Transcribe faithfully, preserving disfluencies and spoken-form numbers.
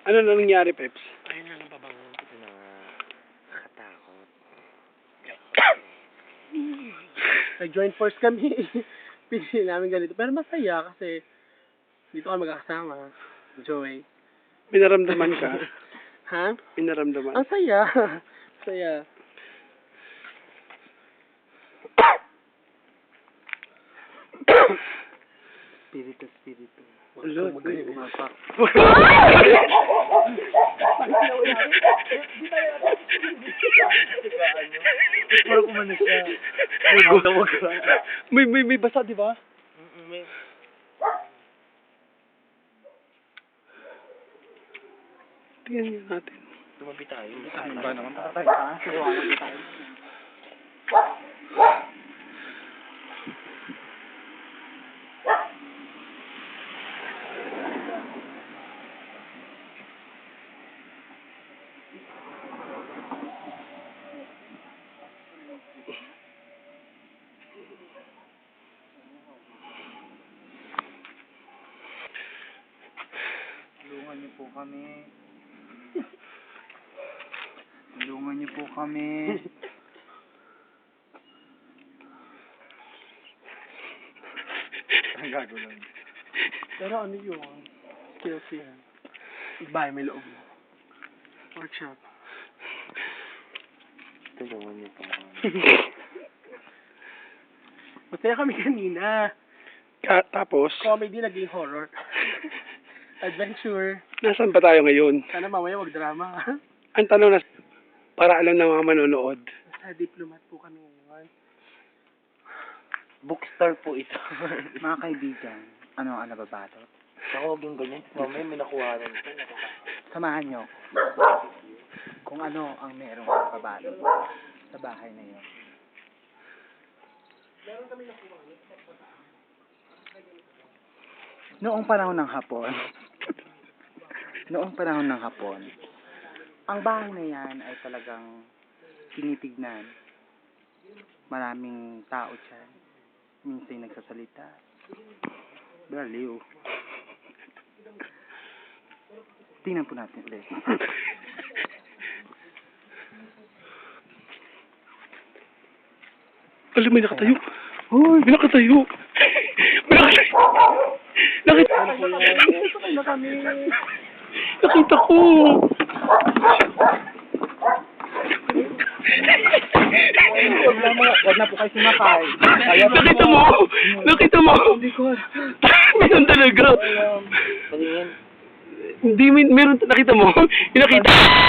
Ano na nangyari, Peps? Ayun na lang pabangon ko na nakatakot. Nag-join force kami. Pinili namin ganito. Pero masaya kasi dito kami magkakasama. Joy. Pinaramdaman ka. Ha? Pinaramdaman. Ang saya. Saya. Spirito, spirito. Ulo. Magaling umapak. Parang umano siya. May, may, may basa, di ba? Mm-mm, may... Tingnan niyo natin. Tumabi tayo. Ano ba naman? Tatay ka? Sinuwanan tayo. Tulungan niyo po kami. Tulungan niyo po kami. Ang gago lang. Pero ano yun? Skills yan. Iba, may loob. Workshop. Tulungan niyo po kami. Masaya kami kanina. Ka tapos, Comedy naging horror. Adventure. nasaan ba tayo ngayon? Sana mamaya wag drama. Ang tanong na, para alam ng mga manonood. Sa diplomat po kami ngayon. Bookstore po ito. Mga kaibigan, ano ang nababalot? Ako, huwag yung ganyan. Mamaya may nakuha rin ito. Samahan nyo kung ano ang merong nababalot sa bahay na yun. Noong panahon ng Hapon, noong panahon ng Hapon, ang bahay na yan ay talagang tinitignan. Maraming tao dyan. Minsan nagsasalita. Baliw. Tingnan po natin ulit. Alam, may nakatayo. Uy, may nakatayo. May nakatayo. Nakita na kami. Nakita ko. Huwag na po kayo sumakay. Nakita mo. Nakita mo. Meron talaga. Palingin. Hindi, may- meron, nakita mo. Yung nakita.